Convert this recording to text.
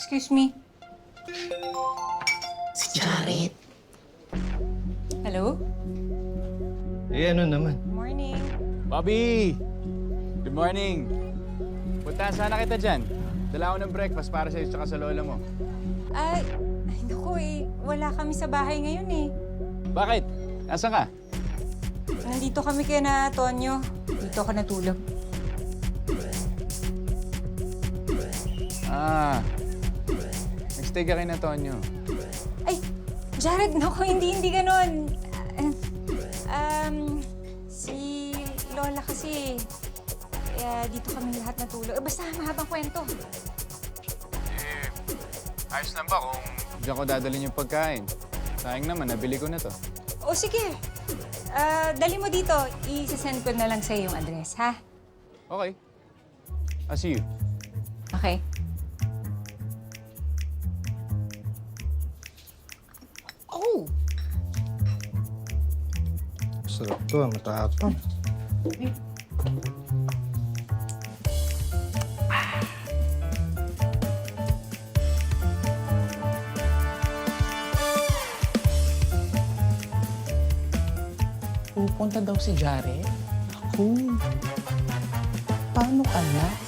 Excuse me. Si Jared. Hello? Eh, ano naman? Morning. Bobby! Good morning! Puntahan sana kita dyan. Dala ako ng breakfast para sa'yo at sa lola mo. Ay, naku eh. Wala kami sa bahay ngayon eh. Bakit? Nasaan ka? Nandito kami kay na Tonyo. Dito ako natulog. Ah, nagstay ka kay na Tonyo. Ay, Jared, naku, hindi ganon. Si Lola kasi, dito kami lahat natulog. Basta mahabang kwento. Ayos lang ba kung diyan ko dadalhin yung pagkain? Sayang naman, nabili ko na to. O sige, dali mo dito. I-send ko na lang sa'yo yung address, ha? Okay. I'll see you. Okay. Oh! Sarap to, matapang. Pupunta daw si Jared? Ako. Paano ka na?